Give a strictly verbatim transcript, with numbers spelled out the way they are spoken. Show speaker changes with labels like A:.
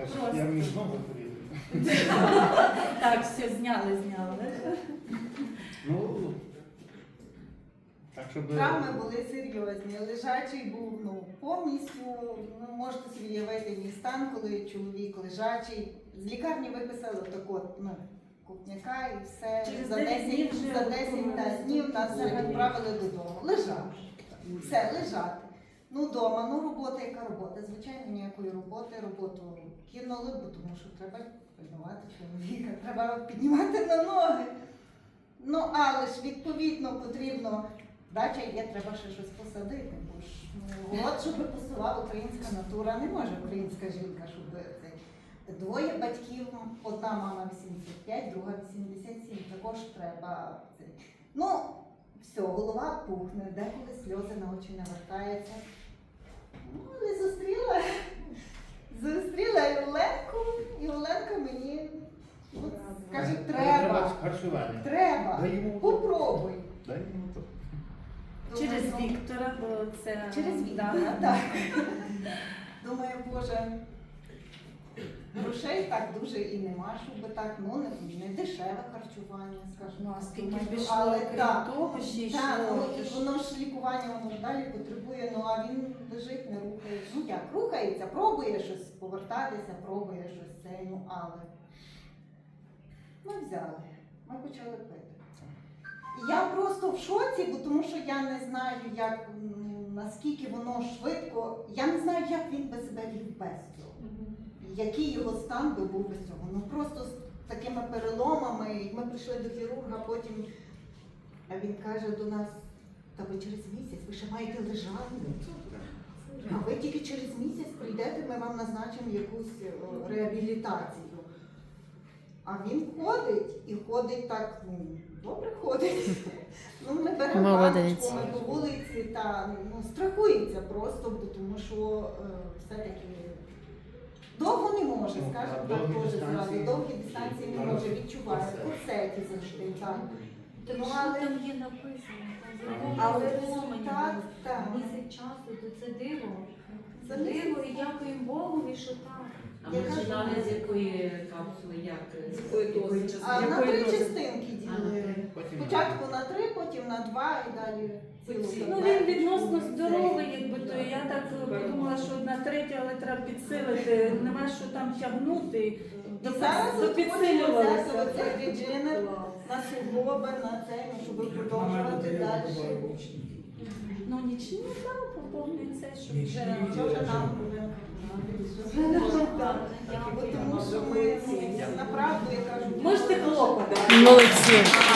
A: Просто.
B: Я мені знову порізав.
A: Так, все, зняли, зняли.
B: Ну, так, щоб...
C: Травми були серйозні. Лежачий був ну, повністю, ну, можете собі уявити мій стан, коли чоловік лежачий. З лікарні виписали так от, ну, купняка і все.
A: Через
C: За
A: дев'ять днів
C: десять,
A: вже
C: за десять та, днів нас вже відправили додому. Лежав. Все, лежати. Ну, вдома, ну робота, яка робота? Звичайно, ніякої роботи, роботу кинули, бо тому що треба піднімати чоловіка, треба піднімати на ноги. Ну, але ж відповідно потрібно, дача є, треба ще щось посадити, бо ж ну, от, щоб посувала українська натура, не може українська жінка, щоб це. Двоє батьків, одна мама вісімдесят п'ять, друга вісімдесят сім, також треба. Це. Ну, все, голова пухне, деколи сльози на очі навертаються. Ну, але зустріла, зустріла і Оленку, і Оленка мені от, каже,
B: Треба
C: треба,
B: харчування.
C: треба,
B: Дай йому.
C: попробуй.
B: Дай йому то.
A: Через
C: Думаю, ну,
A: Віктора, бо це...
C: Через
A: да.
C: Віктора, так. Думаю, Боже, грошей так дуже і нема, щоб так, ну, не, не дешеве харчування, скажімо.
A: Ну, а скільки
C: Думаю,
A: пішло,
C: але
A: крім
C: так,
A: того, ще й
C: так,
A: йшло,
C: ну,
A: то
C: і
A: ж-
C: воно ж лікування, воно ж далі потребує, ну, а він лежить, не рухається. Ну, як, рухається, пробує щось повертатися, пробує щось це, ну, але ми взяли, ми почали пити. Я просто в шоці, бо тому що я не знаю, як, м, наскільки воно швидко, я не знаю, як він би себе вів без цього. Який його стан би був без цього. Ну просто з такими переломами, і ми прийшли до хірурга, потім а він каже до нас, та ви через місяць, ви ще маєте лежати. А ви тільки через місяць прийдете, ми вам назначимо якусь о, реабілітацію. А він ходить і ходить так, ну, добре ходить. Ну, ми беремо
D: Молодець.
C: паличку, ми по вулиці та ну, страхується просто, бо тому що е, все-таки довго не може,
B: Ну,
C: скажімо
B: а
C: так,
B: довгі
C: теж
B: дистанції?
C: зразу. Довгі дистанції не може, відчувати. Курсеті завжди, так.
E: Тому
C: Ну,
E: що
C: але-
E: там є написано, там
C: Але
E: законом
C: результат, так.
E: місяць часу, то це диво.
C: Це
E: Це диво
C: місяць.
E: і дякуємо Богові, що так.
F: А
C: Я
F: ми
C: кажу,
F: починали з якої капсули, як?
G: З якої дози?
C: А на
A: Якої
C: три
A: дози?
C: частинки
F: А,
C: ділили.
B: Потім
C: Спочатку на три, потім на два і далі цілу
A: Ну
C: таблетку.
A: він відносно здоровий, якби то я так подумала, що одна третя, але треба підсилити, нема що там тягнути.
C: І
A: То
C: зараз
A: то
C: от хочемо взяти
A: підсилювалося.
C: оцей редженер на суглоби, на це, ну, щоб продовжувати далі.
A: Ну нічні там поповнюється, щоб вже...
C: Що вже нам повинно? Бо тому що ми, ну, направду, я кажу,
A: Можете хлопати.
D: Молодці.